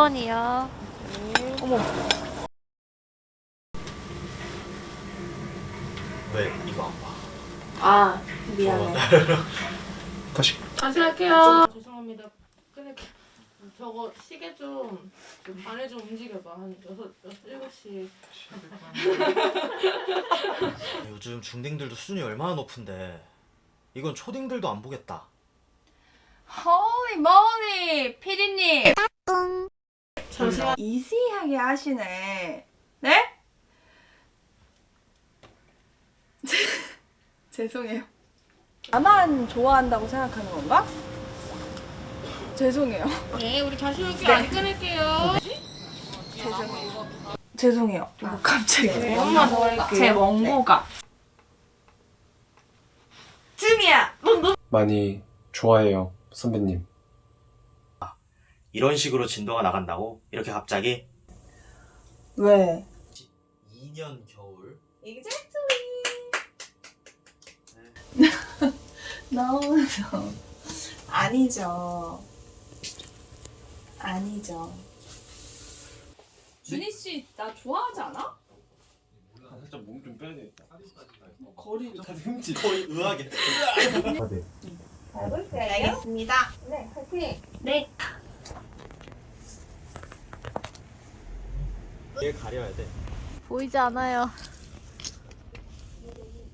10번이요. 어머. 왜 이거 안 봐? 아 미안해. 다시. 다시 할게요. 죄송합니다. 끊을게요. 저거 시계 좀 안에 좀 움직여봐. 한 7시. 요즘 중딩들도 수준이 얼마나 높은데 이건 초딩들도 안 보겠다. 홀리 모리 피디님 잠시만. 이시하게 하시네. 네? 죄송해요. 나만 좋아한다고 생각하는 건가? 죄송해요. 네, 우리 다시 할게요. 안 끊을게요. 죄송해요. 이거 갑자기 엄마 더 할게요. 제 원고가 쯤이야. 많이 좋아해요, 선배님. 이런 식으로 진도가 나간다고? 이렇게 갑자기? 왜? 2년 겨울. 너무 아니죠. 아니죠. 준희 씨 나 좋아하지 않아? 살짝 몸 좀 빼야 되겠다. 거리 다 흠집. 거의 의학이네. 알겠습니다. 네 파이팅. 네. 얘 가려야 돼. 보이지 않아요.